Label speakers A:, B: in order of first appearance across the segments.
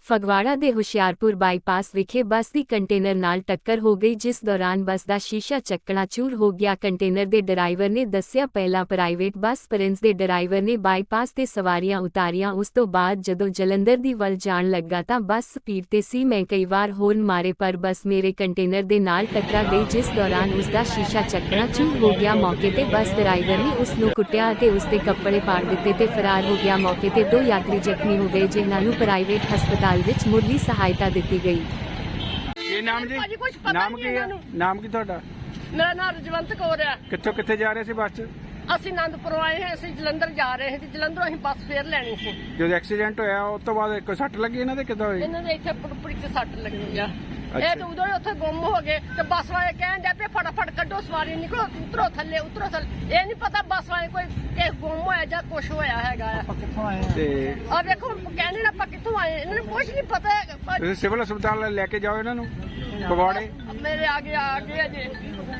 A: ਫਗਵਾੜਾ ਦੇ ਹੁਸ਼ਿਆਰਪੁਰ ਬਾਈਪਾਸ ਵਿਖੇ ਬੱਸ ਦੀ ਕੰਟੇਨਰ ਨਾਲ ਟੱਕਰ ਹੋ ਗਈ, ਜਿਸ ਦੌਰਾਨ ਬੱਸ ਦਾ ਸ਼ੀਸ਼ਾ ਚਕਨਾਚੂਰ ਹੋ ਗਿਆ। ਕੰਟੇਨਰ ਦੇ ਡਰਾਈਵਰ ਨੇ ਦੱਸਿਆ, ਪਹਿਲਾਂ ਪ੍ਰਾਈਵੇਟ ਬੱਸ ਪ੍ਰਿੰਸ ਦੇ ਡਰਾਈਵਰ ਨੇ ਬਾਈਪਾਸ ਤੇ ਸਵਾਰੀਆਂ ਉਤਾਰੀਆਂ। ਉਸ ਤੋਂ ਬਾਅਦ ਜਦੋਂ ਜਲੰਧਰ ਦੀ ਵੱਲ ਜਾਣ ਲੱਗਾ ਤਾਂ ਬੱਸ ਸਪੀਡ ਤੇ ਸੀ। ਮੈਂ ਕਈ ਵਾਰ ਹੋਰਨ ਮਾਰੇ ਪਰ ਬੱਸ ਮੇਰੇ ਕੰਟੇਨਰ ਦੇ ਨਾਲ ਟਕਰਾ ਗਈ, ਜਿਸ ਦੌਰਾਨ ਉਸ ਦਾ ਸ਼ੀਸ਼ਾ ਚਕਨਾਚੂਰ ਹੋ ਗਿਆ। ਮੌਕੇ ਤੇ ਬੱਸ ਡਰਾਈਵਰ ਨੇ ਉਸ ਨੂੰ ਕੁੱਟਿਆ ਅਤੇ ਉਸ ਦੇ ਕੱਪੜੇ ਪਾੜ ਦਿੱਤੇ ਤੇ ਫਰਾਰ ਹੋ ਗਿਆ। ਮੌਕੇ ਤੇ 2 ਯਾਤਰੀ ਜ਼ਖਮੀ ਹੋ ਗਏ, ਜਿਨ੍ਹਾਂ ਨੂੰ ਪ੍ਰਾਈਵੇਟ ਹਸਪਤਾਲ ਵਿੱਚ ਮੁੱਢਲੀ ਸਹਾਇਤਾ ਦਿੱਤੀ ਗਈ।
B: ਕੀ ਨਾਮ ਜੀ? ਨਾਮ ਕੀ ਹੈ? ਨਾਮ ਕੀ ਤੁਹਾਡਾ?
C: ਮੇਰਾ ਨਾਮ ਰਜਵੰਤ ਕੌਰ ਹੈ।
B: ਕਿੱਥੋਂ ਕਿੱਥੇ ਜਾ ਰਹੇ ਸੀ ਬੱਸ 'ਚ?
C: ਅਸੀਂ ਆਨੰਦਪੁਰੋਂ ਆਏ ਹਾਂ, ਅਸੀਂ ਜਲੰਧਰ ਜਾ ਰਹੇ ਹਾਂ ਤੇ ਜਲੰਧਰੋਂ ਅਸੀਂ ਬੱਸ ਫੇਰ ਲੈਣੀ ਸੀ।
B: ਜਦੋਂ ਐਕਸੀਡੈਂਟ ਹੋਇਆ ਉਸ ਤੋਂ ਬਾਅਦ ਕੋਈ ਸੱਟ ਲੱਗੀ ਇਹਨਾਂ ਦੇ? ਕਿੱਦਾਂ ਹੋਈ?
C: ਇਹਨਾਂ ਦੇ ਇੱਥੇ ਪੁੜਪੁੜੀ ਤੇ ਸੱਟ ਲੱਗੀ ਆ। ਇਹ ਤਾਂ ਉਦੋਂ ਹੀ ਉੱਥੇ ਗੁੰਮ ਹੋ ਗਏ ਤੇ ਬੱਸ ਵਾਲੇ ਕਹਿਣ ਡਿਆ ਪਏ ਫਟਾਫਟ ਕੱਢੋ ਸਵਾਰੀ, ਨਿਕਲੋ, ਉਤਰੋ ਥੱਲੇ, ਉਤਰੋ ਥੱਲੇ। ਇਹ ਨਹੀਂ ਪਤਾ ਬੱਸ ਵਾਲੇ ਕੋਈ ਕਿਸੇ ਗੁੰਮ ਹੋਇਆ ਜਾਂ ਕੁਛ ਹੋਇਆ ਹੈਗਾ ਆ।
B: ਤੇ
C: ਆ ਵੇਖੋ ਕਹਿੰਦੇ ਨੇ ਆਪਾਂ ਕਿੱਥੋਂ ਆਏ, ਇਹਨਾਂ ਨੂੰ ਕੁਛ ਨਹੀਂ ਪਤਾ ਹੈਗਾ।
B: ਤੁਸੀਂ ਸਿਵਲ ਹਸਪਤਾਲ ਲੈ ਕੇ ਜਾਓ ਇਹਨਾਂ ਨੂੰ ਫਗਵਾੜੇ।
C: ਮੇਰੇ ਆ ਗਏ ਅਜੇ।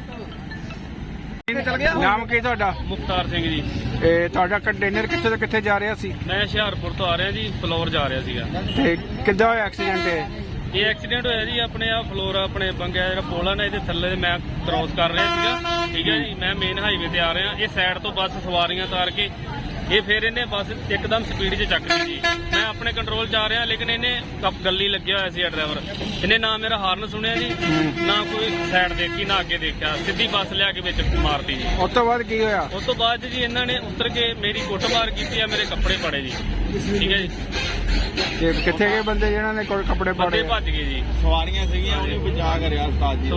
B: ਨਾਮ ਕੀ ਤੁਹਾਡਾ?
D: ਮੁਖਤਾਰ ਸਿੰਘ ਜੀ।
B: ਇਹ ਤੁਹਾਡਾ ਕੰਟੇਨਰ ਕਿੱਥੇ ਤੋਂ ਕਿੱਥੇ ਜਾ ਰਿਹਾ ਸੀ?
D: ਮੈਂ ਹੁਸ਼ਿਆਰਪੁਰ ਤੋਂ ਆ ਰਿਹਾ ਜੀ, ਫਲੋਰ ਜਾ ਰਿਹਾ ਸੀਗਾ।
B: ਤੇ ਕਿੱਦਾਂ ਹੋਇਆ ਐਕਸੀਡੈਂਟ?
D: ਇਹ ਐਕਸੀਡੈਂਟ ਹੋਇਆ ਜੀ ਆਪਣੇ ਆ ਫਲੋਰ ਆਪਣੇ ਬੰਗਿਆ ਜਿਹੜਾ ਪੁਲ ਆ ਨਾ, ਇਹਦੇ ਥੱਲੇ ਮੈਂ ਕ੍ਰੋਸ ਕਰ ਰਿਹਾ ਸੀਗਾ। ਠੀਕ ਹੈ ਜੀ, ਮੈਂ ਮੇਨ ਹਾਈਵੇ ਤੇ ਆ ਰਿਹਾ। ਇਹ ਸਾਈਡ ਤੋਂ ਬੱਸ ਸਵਾਰੀਆਂ ਤਾਰ ਕੇ ਇਹ ਫਿਰ ਇਹਨੇ ਬੱਸ ਇੱਕਦਮ ਸਪੀਡ 'ਚ ਚੱਕ ਲਈ ਜੀ। ਮੈਂ ਆਪਣੇ ਕੰਟਰੋਲ 'ਚ ਆ ਰਿਹਾ, ਲੇਕਿਨ ਇਹਨੇ ਗੱਲੀ ਲੱਗਿਆ ਹੋਇਆ ਸੀ ਡਰਾਈਵਰ। ਇਹਨੇ ਨਾ ਮੇਰਾ ਹਾਰਨ ਸੁਣਿਆ ਜੀ, ਨਾ ਕੋਈ ਸਾਈਡ ਦੇਖੀ, ਨਾ ਅੱਗੇ ਦੇਖਿਆ, ਸਿੱਧੀ ਬੱਸ ਲਿਆ ਕੇ ਵਿੱਚ ਮਾਰਤੀ ਜੀ।
B: ਉਸ ਤੋਂ ਬਾਅਦ ਕੀ ਹੋਇਆ?
D: ਉਸ ਤੋਂ ਬਾਅਦ ਜੀ ਇਹਨਾਂ ਨੇ ਉਤਰ ਕੇ ਮੇਰੀ ਕੁੱਟਮਾਰ ਕੀਤੀ ਆ, ਮੇਰੇ ਕੱਪੜੇ ਪਾੜੇ ਜੀ। ਠੀਕ ਹੈ ਜੀ।
B: ਤੇ ਕਿੱਥੇ ਗਏ ਬੰਦੇ ਜਿਹਨਾਂ ਨੇ ਕੋਈ ਕੱਪੜੇ ਪਾੜੇ?
D: ਬੰਦੇ ਭੱਜ ਗਏ ਜੀ।
E: ਸਵਾਰੀਆਂ ਸੀਗੀਆਂ, ਉਹਨੂੰ ਬਚਾ ਕਰਿਆ ਉਸਤਾਦ ਜੀ।